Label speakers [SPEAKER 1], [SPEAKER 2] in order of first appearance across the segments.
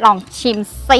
[SPEAKER 1] ลองชิมซิ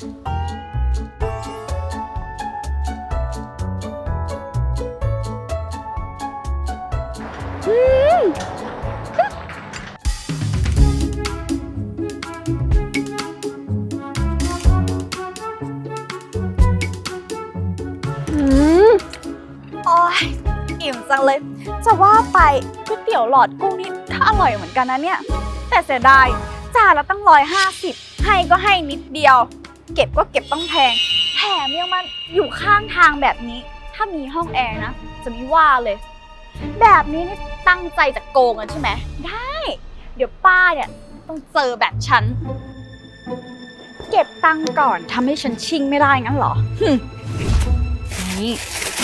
[SPEAKER 1] โอ้ยอิ่มจังเลยจะว่าไปก๋วยเตี๋ยวหลอดกุ้งนี่ถ้าอร่อยเหมือนกันนะเนี่ยแต่เสียดายจานละตั้ง150ให้ก็ให้นิดเดียวเก็บก็เก็บต้องแพงแถมยังมันอยู่ข้างทางแบบนี้ถ้ามีห้องแอร์นะจะไม่ว่าเลยแบบนี้นี่ตั้งใจจะโกงกันใช่ไหมได้เดี๋ยวป้าเนี่ยต้องเจอแบบฉันเก็บตังค์ก่อนทำให้ฉันชิ่งไม่ได้งั้นเหรอนี่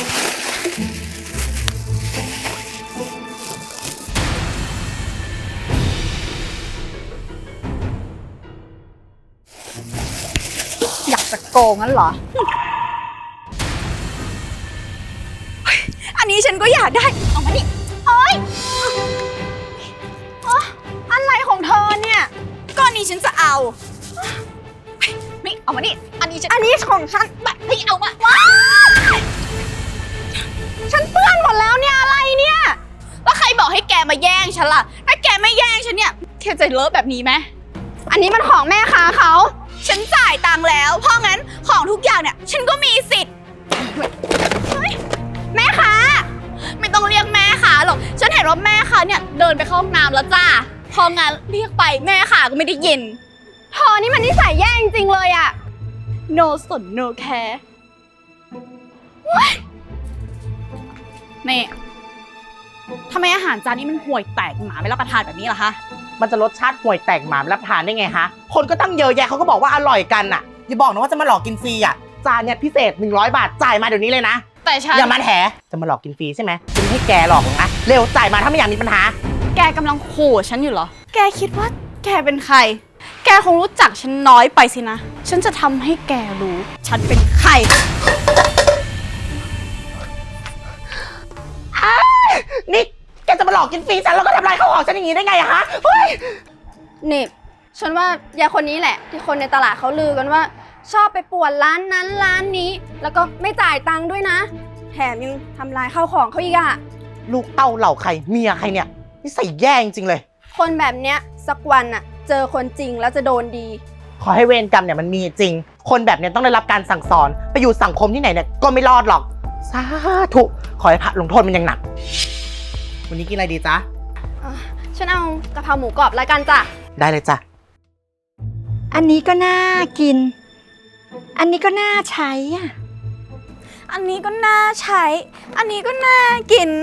[SPEAKER 1] อยากจะโกงงั้นเหรออันนี้ฉันก็อยากได้เอามาดิโอ๊ยอะไรของเธอเนี่ยก้อนนี้ฉันจะเอาไม่เอามาดิอันนี้ของฉันแบบไม่เอามาว้ายฉันเปื้อนหมดแล้วเนี่ยอะไรเนี่ยแล้วใครบอกให้แกมาแย่งฉันล่ะถ้าแกไม่แย่งฉันเนี่ยแกจะเลอะแบบนี้ไหมอันนี้มันของแม่ค้าเขาฉันจ่ายตังค์แล้วเพราะงั้นของทุกอย่างเนี่ยฉันก็มีสิทธิ์แม่ค้าไม่ต้องเรียกแม่ค้าหรอกฉันเห็นว่าแม่ค้าเนี่ยเดินไปเข้าห้องน้ำแล้วจ้าพองั้นเรียกไปแม่ค้าก็ไม่ได้ยินเธอนี่มันนิสัยแย่จริงๆเลยอะ no สน no care นี่ทำไมอาหารจานนี้มันห่วยแตกหมาไม่รับประทานแบบนี้ล่ะคะ
[SPEAKER 2] มันจะรสชาติห่วยแตกหมารับทานได้ไงฮะคนก็ตั้งเยอะแยะเขาก็บอกว่าอร่อยกันอ่ะอย่าบอกนะว่าจะมาหลอกกินฟรีอ่ะจานเนี่ยพิเศษ100 บาทจ่ายมาเดี๋ยวนี้เลยนะ
[SPEAKER 1] แต่ฉัน
[SPEAKER 2] อย่ามาแถจะมาหลอกกินฟรีใช่ไหมฉันไม่ให้แกหลอกหรอกนะเร็วจ่ายมาถ้าไม่อยากมีปัญหา
[SPEAKER 1] แกกำลังขู่ฉันอยู่เหรอแกคิดว่าแกเป็นใครแกคงรู้จักฉันน้อยไปสินะฉันจะทำให้แกรู้ฉันเป็นใคร
[SPEAKER 2] นี่แกจะมาหลอกกินฟรีฉันแล้วก็ทำลายข้าวของฉันอย่างนี้ได้ไงอะฮะเฮ้ย
[SPEAKER 3] นี่ฉันว่ายายคนนี้แหละที่คนในตลาดเขาลือกันว่าชอบไปป่วนร้านนั้นร้านนี้แล้วก็ไม่จ่ายตังค์ด้วยนะแถมยังทำลายข้าวของเขาอีกอะ
[SPEAKER 2] ลูกเต้าเหล่าใครเมียใครเนี่ยนิสัยแย่จริงๆเลย
[SPEAKER 3] คนแบบเนี้ยสักวันอะเจอคนจริงแล้วจะโดนดี
[SPEAKER 2] ขอให้เวรกรรมเนี่ยมันมีจริงคนแบบเนี้ยต้องได้รับการสั่งสอนไปอยู่สังคมที่ไหนเนี่ยก็ไม่รอดหรอกสาธุขอให้พระลงโทษมันยังหนักวันนี้กินอะไรดีจ๊ะ
[SPEAKER 3] ฉันเอากะเพราหมูกรอบแล้วกันจ้ะ
[SPEAKER 2] ได้เลยจ้ะ
[SPEAKER 4] อันนี้ก็น่ากินอันนี้ก็น่าใช้อ่ะ
[SPEAKER 1] อันนี้ก็น่าใช้อันนี้ก็น่ากิน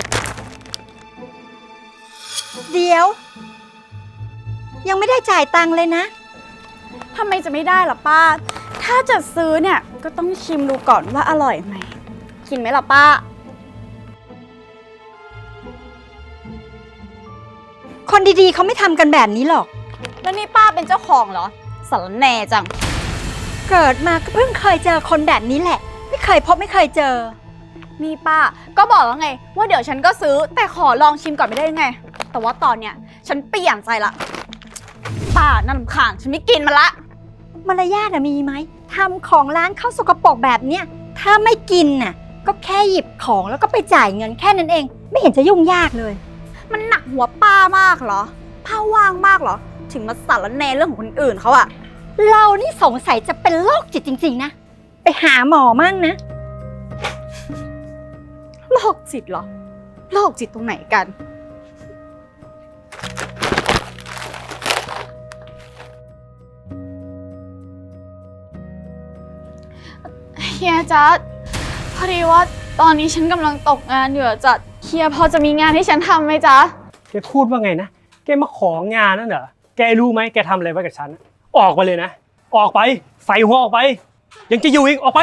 [SPEAKER 4] เดี๋ยวยังไม่ได้จ่ายตังค์เลยนะ
[SPEAKER 1] ทำไมจะไม่ได้ล่ะป้าถ้าจะซื้อเนี่ยก็ต้องชิมดูก่อนว่าอร่อยไหมกินไหมล่ะป้า
[SPEAKER 4] คนดีๆเขาไม่ทำกันแบบนี้หรอก
[SPEAKER 1] แล้วนี่ป้าเป็นเจ้าของเหรอสารแหน่จัง
[SPEAKER 4] เกิดมาก็เพิ่งเคยเจอคนแบบนี้แหละไม่เคยพบไม่เคยเจอ
[SPEAKER 1] นี่ป้าก็บอกแล้วไงว่าเดี๋ยวฉันก็ซื้อแต่ขอลองชิมก่อนไม่ได้ยังไงแต่ว่าตอนเนี้ยฉันเปลี่ยนใจละป้าน่ารำคาญฉันไม่กินมันละ
[SPEAKER 4] มารยาทมีไหมทำของร้านเข้าสกปรกแบบเนี้ยถ้าไม่กินน่ะก็แค่หยิบของแล้วก็ไปจ่ายเงินแค่นั้นเองไม่เห็นจะยุ่งยากเลย
[SPEAKER 1] มันหนักหัวป้ามากเหรอป้าว่างมากเหรอถึงมาสารแหน่เรื่องของคนอื่นเขาอะ
[SPEAKER 4] เรานี่สงสัยจะเป็นโรคจิตจริงๆนะไปหาหมอมั่งนะ
[SPEAKER 1] โรคจิตเหรอโรคจิตตรงไหนกันเฮียจ๊ะพอดีว่าตอนนี้ฉันกำลังตกงานอยู่จ๊ะเฮียพอจะมีงานให้ฉันทำไหมจ๊ะ
[SPEAKER 5] แกพูดว่าไงนะแกมาของานนั่นเหรอแกรู้ไหมแกทำอะไรไว้กับฉันออกไปเลยนะออกไปใส่หัวออกไปยังจะอยู่อีกออกไป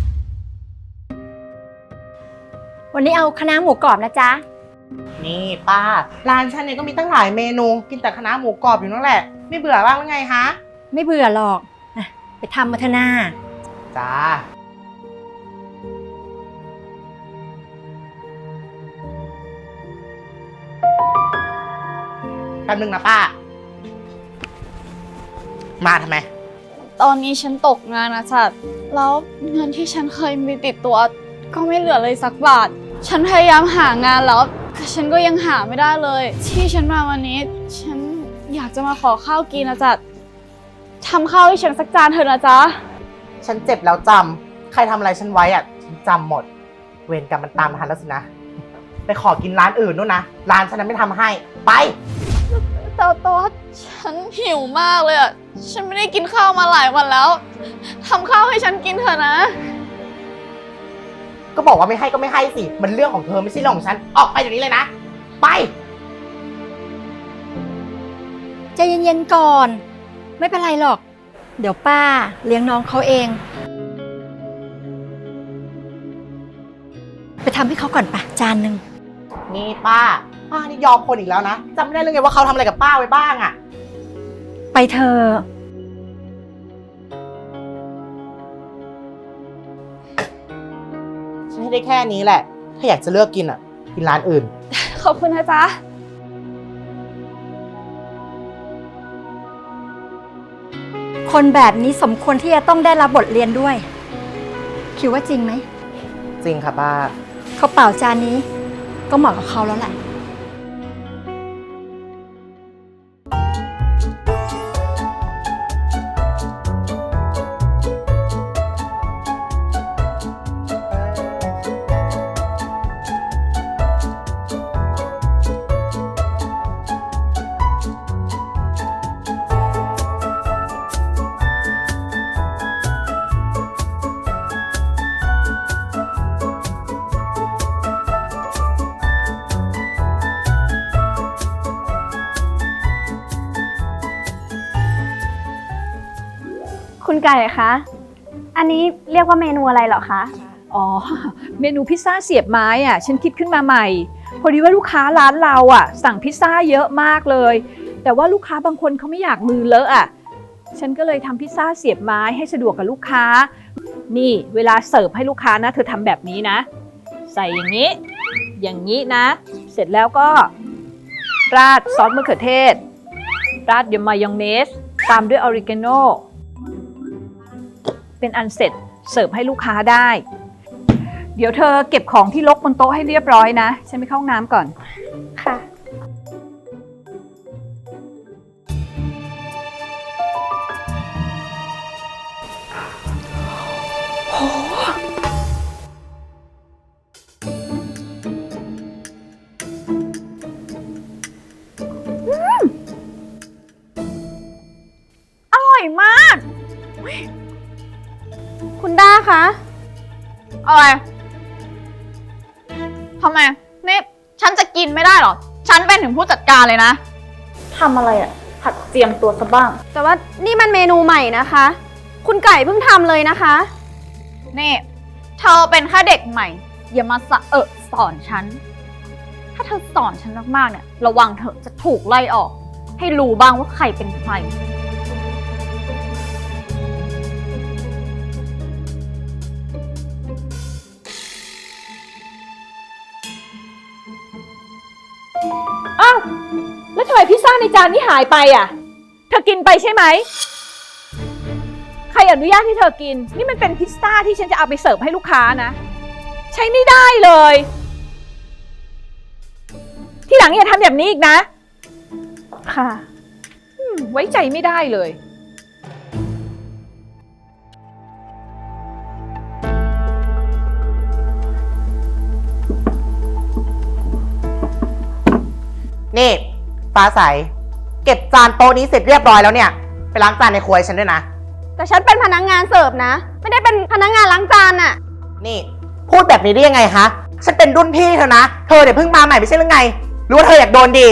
[SPEAKER 4] วันนี้เอาคะน้าหมูกรอบนะจ๊ะ
[SPEAKER 2] นี่ป้าร้านฉันเนี่ยก็มีตั้งหลายเมนูกินแต่คะน้าหมูกรอบอยู่นั่นแหละไม่เบื่อบ้างหรือไงฮะ
[SPEAKER 4] ไม่เบื่อหรอกไปทำมาเถอะนา
[SPEAKER 2] จ้าแป๊บนึงนะป้ามาทำไม
[SPEAKER 1] ตอนนี้ฉันตกงานนะจ๊ะแล้วเงินที่ฉันเคยมีติดตัวก็ไม่เหลือเลยสักบาท ฉันพยายามหางานแล้วแต่ฉันก็ยังหาไม่ได้เลย ที่ฉันมาวันนี้ ฉันอยากจะมาขอข้าวกินนะจ๊ะทำข้าวให้ฉันสักจานเถอะนะจ๊ะ
[SPEAKER 2] ฉันเจ็บแล้วจำใครทำอะไรฉันไว้อะฉันจำหมด เวรกรรมมันตามมาทันแล้วสินะ ไปขอกินร้านอื่นนู่นนะ ร้านฉันนั้นไม่ทำให้ ไป
[SPEAKER 1] แต่ว่าฉันหิวมากเลยอ่ะ ฉันไม่ได้กินข้าวมาหลายวันแล้วทำข้าวให้ฉันกินเถอะนะ
[SPEAKER 2] ก็บอกว่าไม่ให้ก็ไม่ให้สิ มันเรื่องของเธอไม่ใช่เรื่องของฉัน ออกไปเดี๋ยวนี้เลยนะ ไป
[SPEAKER 4] ใจเย็นๆก่อน ไม่เป็นไรหรอก เดี๋ยวป้าเลี้ยงน้องเขาเอง ไปทำให้เขาก่อนปะจานหนึ่ง
[SPEAKER 2] นี่ป้านี่ยอมคนอีกแล้วนะจำไม่ได้เลยไงว่าเขาทำอะไรกับป้าไว้บ้างอะ
[SPEAKER 4] ไปเถอะ
[SPEAKER 2] ฉันให้ได้แค่นี้แหละ ถ้าอยากจะเลือกกินอะกินร้านอื่น
[SPEAKER 1] ขอบคุณนะจ๊ะ
[SPEAKER 4] คนแบบนี้สมควรที่จะต้องได้รับบทเรียนด้วย คิดว่าจริงไหม
[SPEAKER 2] จริงค่ะป้า
[SPEAKER 4] ข้าวเปล่าจานนี้ก็เหมาะกับเขาแล้วแหละ
[SPEAKER 3] คุณไก่คะ อันนี้เรียกว่าเมนูอะไรเหรอคะ
[SPEAKER 6] อ๋อ เมนูพิซซ่าเสียบไม้อ่ะฉันคิดขึ้นมาใหม่ พอดีว่าลูกค้าร้านเราอ่ะสั่งพิซซ่าเยอะมากเลย แต่ว่าลูกค้าบางคนเขาไม่อยากมือเลอะอ่ะฉันก็เลยทำพิซซ่าเสียบไม้ให้สะดวกกับลูกค้า นี่เวลาเสิร์ฟให้ลูกค้านะเธอทำแบบนี้นะ ใส่อย่างนี้ อย่างนี้นะ เสร็จแล้วก็ราดซอสมะเขือเทศ ราดด้วยมายองเนสตามด้วยออริกาโนเป็นอันเสร็จเสิร์ฟให้ลูกค้าได้ เดี๋ยวเธอเก็บของที่รกบนโต๊ะให้เรียบร้อยนะ ฉันไปเข้าห้องน้ำก่อน
[SPEAKER 3] ค่ะ
[SPEAKER 1] อร่อยมาก
[SPEAKER 3] คุณด้าคะ
[SPEAKER 1] อะไรทำไม นี่ฉันจะกินไม่ได้เหรอ ฉันเป็นถึงผู้จัดการเลยนะทำอะไรอ่ะผัดเจียมตัวซะบ้าง
[SPEAKER 3] แต่ว่านี่มันเมนูใหม่นะคะ คุณไก่เพิ่งทำเลยนะคะ
[SPEAKER 1] นี่ เธอเป็นแค่เด็กใหม่ อย่ามาสอนฉัน ถ้าเธอสอนฉันมากๆเนี่ย ระวังเธอจะถูกไล่ออก ให้รู้บ้างว่าใครเป็นใคร
[SPEAKER 6] อ้าว แล้วทำไมพิซซ่าในจานนี้หายไปอ่ะ เธอกินไปใช่ไหม ใครอนุญาตให้เธอกิน นี่มันเป็นพิซซ่าที่ฉันจะเอาไปเสิร์ฟให้ลูกค้านะ ใช้ไม่ได้เลย ที่หลังอย่าทำแบบนี้อีกนะ
[SPEAKER 1] ค่ะ
[SPEAKER 6] ไว้ใจไม่ได้เลย
[SPEAKER 2] นี่ฟ้าใส เก็บจานโต๊ะนี้เสร็จเรียบร้อยแล้วเนี่ย ไปล้างจานในครัวให้ฉันด้วยนะ
[SPEAKER 3] แต่ฉันเป็นพนักงานเสิร์ฟนะ ไม่ได้เป็นพนักงานล้างจานอะ
[SPEAKER 2] นี่พูดแบบนี้ได้ยังไงคะ ฉันเป็นรุ่นพี่เธอนะ เธอเดี๋ยวเพิ่งมาใหม่ไม่ใช่หรือไง หรือว่าเธออยากโดนดี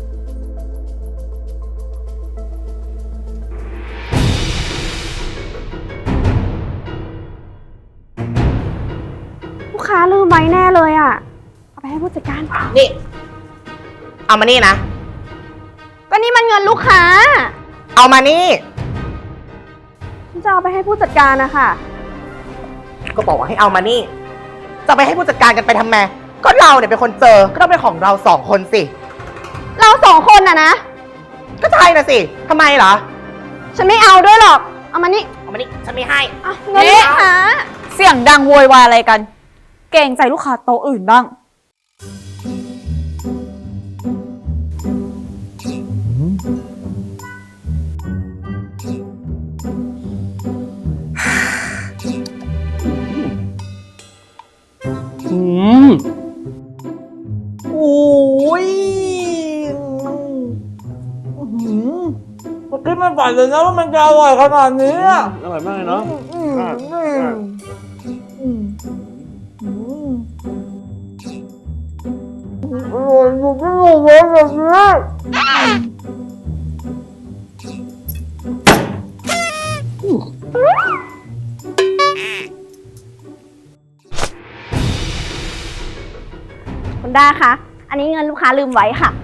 [SPEAKER 3] ลูกค้าลืมไว้แน่เลยอะเอาไปให้ผู้จัดการ
[SPEAKER 2] นี่ เอามานี่นะ
[SPEAKER 3] ก็นี่มันเงินลูกค้า
[SPEAKER 2] เอามานี่
[SPEAKER 3] ฉันจะเอาไปให้ผู้จัดการนะคะ
[SPEAKER 2] ก็บอกว่าให้เอามานี่ จะไปให้ผู้จัดการกันไปทำไม ก็เราเนี่ยเป็นคนเจอ ก็ต้องเป็นของเราสองคนสิ
[SPEAKER 3] เราสองคนอะนะ
[SPEAKER 2] ก็ใช่นะสิทำไมเหรอ
[SPEAKER 3] ฉันไม่เอาด้วยหรอก เอามานี่
[SPEAKER 2] มานี่ฉันไม่ให้
[SPEAKER 3] เงินลูกค้า
[SPEAKER 1] เสียงดังโวยวายอะไรกัน เกรงใจลูกค้าโต๊ะอื่นบ้าง
[SPEAKER 2] โอ้ยมันคิดไม่ฝันเลยนะว่ามันจะอร่อยขนาดนี้อ่ะ
[SPEAKER 5] อร่อยมากเลยเนาะ
[SPEAKER 2] อร่อยอยู่ที่หัวแบบนี้
[SPEAKER 3] คุณด้าคะ อันนี้เงินลูกค้าลืมไว้ค่ะ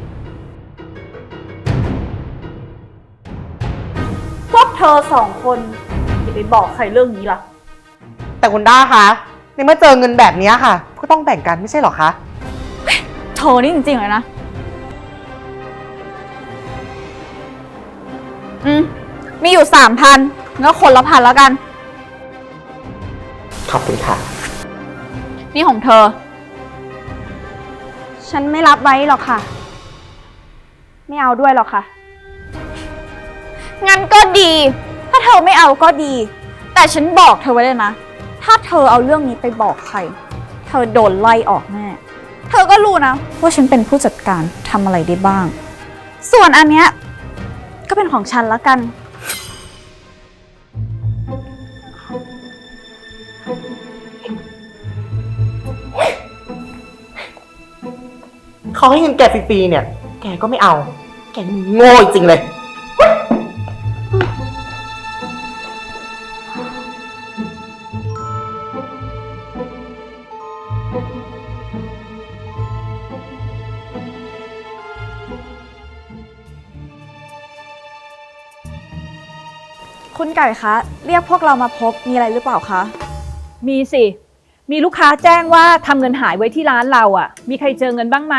[SPEAKER 1] พวกเธอสองคนอย่าไปบอกใครเรื่องนี้ล่ะ
[SPEAKER 2] แต่คุณด้าคะในเมื่อเจอเงินแบบนี้ค่ะ ก็ต้องแบ่งกันไม่ใช่หรอคะ
[SPEAKER 1] เธอนี่จริงๆเลยนะ มีอยู่ 3,000งั้นคนละ1,000แล้วกัน
[SPEAKER 2] ขอบคุณค่ะ
[SPEAKER 1] นี่ของเธอ
[SPEAKER 3] ฉันไม่รับไว้หรอกค่ะ ไม่เอาด้วยหรอกค่ะ
[SPEAKER 1] งั้นก็ดี ถ้าเธอไม่เอาก็ดี แต่ฉันบอกเธอไว้เลยนะ ถ้าเธอเอาเรื่องนี้ไปบอกใคร เธอโดนไล่ออกแน่ เธอก็รู้นะว่าฉันเป็นผู้จัดการทำอะไรได้บ้าง ส่วนอันเนี้ยก็เป็นของฉันละกัน
[SPEAKER 2] เขาให้เงินแกฟรีๆเนี่ย แกก็ไม่เอา แกนี่มันโง่จริงเลย
[SPEAKER 1] คุณไก่คะ เรียกพวกเรามาพบมีอะไรหรือเปล่าคะ
[SPEAKER 6] มีสิ มีลูกค้าแจ้งว่าทำเงินหายไว้ที่ร้านเราอ่ะ มีใครเจอเงินบ้างไหม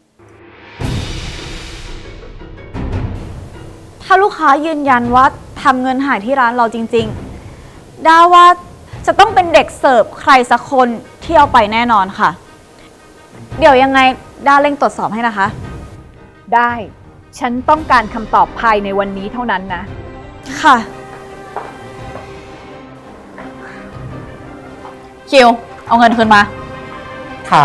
[SPEAKER 1] ถ้าลูกค้ายืนยันว่าทำเงินหายที่ร้านเราจริงๆ ด้าว่าจะต้องเป็นเด็กเสิร์ฟใครสักคนที่เอาไปแน่นอนค่ะ เดี๋ยวยังไงด้าเร่งตรวจสอบให้นะคะ
[SPEAKER 6] ได้ ฉันต้องการคำตอบภายในวันนี้เท่านั้นนะ
[SPEAKER 1] ค่ะ คิว เอาเงินคืนมา
[SPEAKER 2] ค่ะ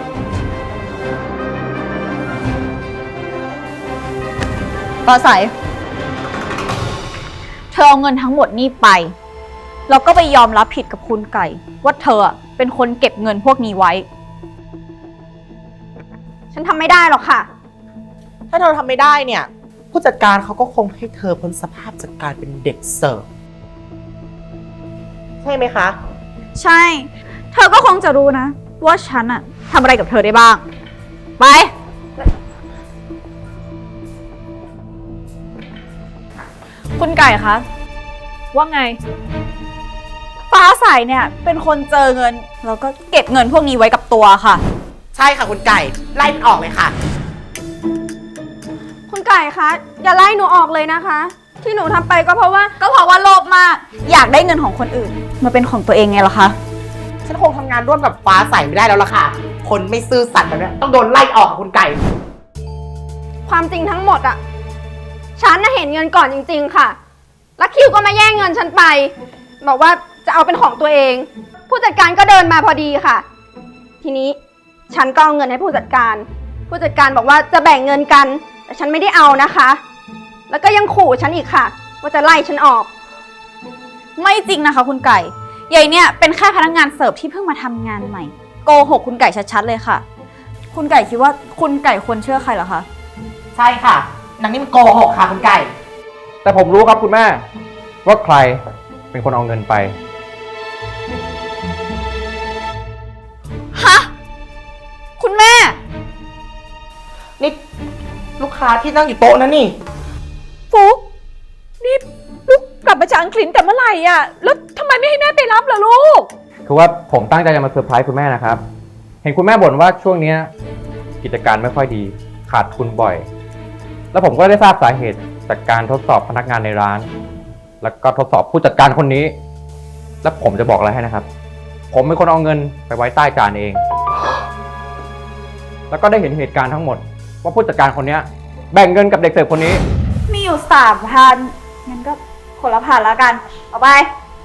[SPEAKER 1] ปอใสเธอเอาเงินทั้งหมดนี่ไป แล้วก็ไปยอมรับผิดกับคุณไก่ ว่าเธอเป็นคนเก็บเงินพวกนี้ไว้
[SPEAKER 3] ฉันทำไม่ได้หรอกค่ะ
[SPEAKER 2] ถ้าเธอทำไม่ได้เนี่ย ผู้จัดการเขาก็คงให้เธอพ้นสภาพจากการเป็นเด็กเสิร์ฟ ใช่ไหมคะ
[SPEAKER 1] ใช่ เธอก็คงจะรู้นะ ว่าฉันอะทำอะไรกับเธอได้บ้าง ไป คุณไก่คะ
[SPEAKER 6] ว่าไง
[SPEAKER 1] ฟ้าใสเนี่ยเป็นคนเจอเงิน แล้วก็เก็บเงินพวกนี้ไว้กับตัวค่ะ
[SPEAKER 2] ใช่ค่ะคุณไก่ ไล่มันออกเลยค่ะ
[SPEAKER 3] คุณไก่คะ อย่าไล่หนูออกเลยนะคะ ที่หนูทำไปก็เพราะว่า
[SPEAKER 1] ก็เพราะว่าโลภมาก อยากได้เงินของคนอื่น มาเป็นของตัวเองไงล่ะคะ
[SPEAKER 2] ฉันคงทำงานร่วมกับฟ้าใสไม่ได้แล้วล่ะค่ะ คนไม่ซื่อสัตย์แบบนี้ต้องโดนไล่ออกค่ะคุณไก่
[SPEAKER 3] ความจริงทั้งหมดอะฉันน่ะเห็นเงินก่อนจริงๆค่ะ แล้วคิวก็มาแย่งเงินฉันไป บอกว่าจะเอาเป็นของตัวเอง ผู้จัดการก็เดินมาพอดีค่ะ ทีนี้ฉันก็เอาเงินให้ผู้จัดการ ผู้จัดการบอกว่าจะแบ่งเงินกัน แต่ฉันไม่ได้เอานะคะ แล้วก็ยังขู่ฉันอีกค่ะ ว่าจะไล่ฉันออก
[SPEAKER 1] ไม่จริงนะคะ คุณไก่ใหญ่เนี่ยเป็นแค่พนักงานเสิร์ฟที่เพิ่งมาทำงานใหม่ โกหกคุณไก่ชัดๆเลยค่ะ คุณไก่คิดว่าคุณไก่ควรเชื่อใครเหรอคะ
[SPEAKER 2] ใช่ค่ะนางนี่มันโกหกค่ะคุณไก่
[SPEAKER 7] แต่ผมรู้ครับคุณแม่ ว่าใครเป็นคนเอาเงินไป
[SPEAKER 1] ฮะ คุณแม่
[SPEAKER 2] นี่ลูกค้าที่นั่งอยู่โต๊ะนั่นนี่
[SPEAKER 6] ฟุกนี่ลูกกลับมาจากอังกฤษแต่เมื่อไหร่อ่ะ แล้วทำไมไม่ให้แม่ไปรับล่ะลูก
[SPEAKER 7] คือว่าผมตั้งใจจะมาเซอร์ไพรส์คุณแม่นะครับ เห็นคุณแม่บ่นว่าช่วงเนี้ยกิจการไม่ค่อยดี ขาดทุนบ่อย แล้วผมก็ได้ทราบสาเหตุจากการทดสอบพนักงานในร้าน แล้วก็ทดสอบผู้จัดการคนนี้แล้วผมจะบอกอะไรให้นะครับ ผมเป็นคนเอาเงินไปไว้ใต้จานเอง แล้วก็ได้เห็นเหตุการณ์ทั้งหมด ว่าผู้จัดการคนเนี้ยแบ่งเงินกับเด็กเสิร์ฟคนนี้
[SPEAKER 1] มีอยู่3,000งั้นก็คนละ1,000แล้วกัน เอาไป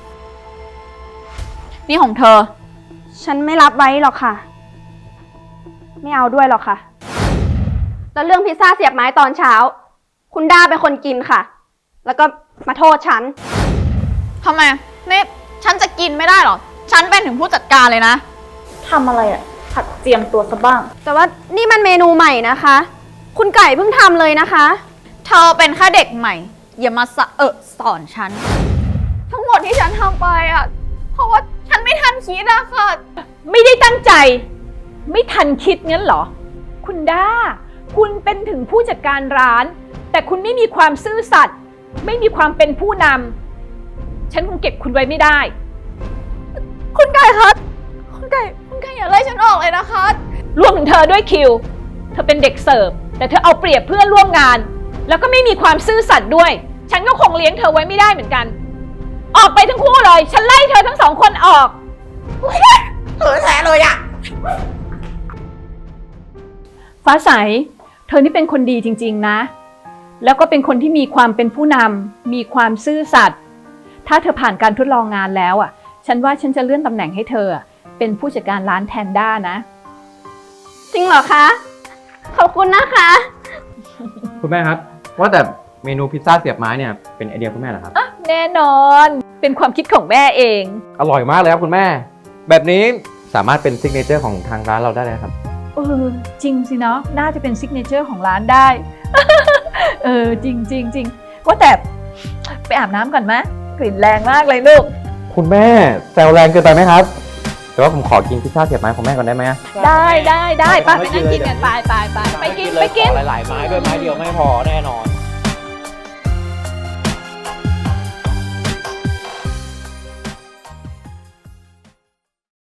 [SPEAKER 1] นี่ของเธอ
[SPEAKER 3] ฉันไม่รับไว้หรอกค่ะ ไม่เอาด้วยหรอกค่ะ แล้วเรื่องพิซซ่าเสียบไม้ตอนเช้า คุณด้าเป็นคนกินค่ะ แล้วก็มาโทษฉัน
[SPEAKER 1] ทำไมนี่ฉันจะกินไม่ได้หรอ ฉันเป็นถึงผู้จัดการเลยนะ ทำอะไรอะผัดเจียมตัวซะบ้าง
[SPEAKER 3] แต่ว่านี่มันเมนูใหม่นะคะ คุณไก่เพิ่งทำเลยนะคะ
[SPEAKER 1] เธอเป็นแค่เด็กใหม่ อย่ามาสอนฉัน ทั้งหมดที่ฉันทำไปอะเพราะว่าฉันไม่ทันคิดอะค่ะ
[SPEAKER 6] ไม่ได้ตั้งใจ ไม่ทันคิดงั้นเหรอ คุณด้า คุณเป็นถึงผู้จัดการร้าน แต่คุณไม่มีความซื่อสัตย์ไม่มีความเป็นผู้นำฉันคงเก็บคุณไว้ไม่ได้
[SPEAKER 1] คุณไก่คะคุณไก่อย่าไล่ฉันออกเลยนะคะ
[SPEAKER 6] รวมถึงเธอด้วยคิว เธอเป็นเด็กเสิร์ฟแต่เธอเอาเปรียบเพื่อนร่วมงาน แล้วก็ไม่มีความซื่อสัตย์ด้วย ฉันก็คงเลี้ยงเธอไว้ไม่ได้เหมือนกัน ออกไปทั้งคู่เลย ฉันไล่เธอทั้งสองคนออก
[SPEAKER 2] เออแท้เลยอะ
[SPEAKER 6] ฟ้าใส เธอนี่เป็นคนดีจริงๆนะ แล้วก็เป็นคนที่มีความเป็นผู้นำมีความซื่อสัตย์ถ้าเธอผ่านการทดลองงานแล้วอ่ะ ฉันว่าฉันจะเลื่อนตำแหน่งให้เธอเป็นผู้จัดการร้านแทนด้านะ
[SPEAKER 3] จริงเหรอคะ ขอบคุณนะคะ
[SPEAKER 7] คุณแม่ครับ ว่าแต่เมนูพิซซ่าเสียบไม้เนี่ยเป็นไอเดียคุณแม่เหรอครับ
[SPEAKER 6] แน่นอน เป็นความคิดของแม่เอง
[SPEAKER 7] อร่อยมากเลยครับคุณแม่ แบบนี้สามารถเป็นซิกเนเจอร์ของทางร้านเราได้เลยครับ
[SPEAKER 6] จริงสิเนาะ น่าจะเป็นซิกเนเจอร์ของร้านได้ จริงว่าแต่ไปอาบน้ำก่อนไหมกลิ่นแรงมากเลยลูก
[SPEAKER 7] คุณแม่แซวแรงเกินไปไหมครับ แต่ว่าผมขอกินพิซซ่าเสียบไม้ของแม่ก่อนได้ไหม
[SPEAKER 6] ได้ไปนั่งกินกันไปกิน
[SPEAKER 7] หลายๆไม้ด้วยไม้เดียวไม่พอแน่นอน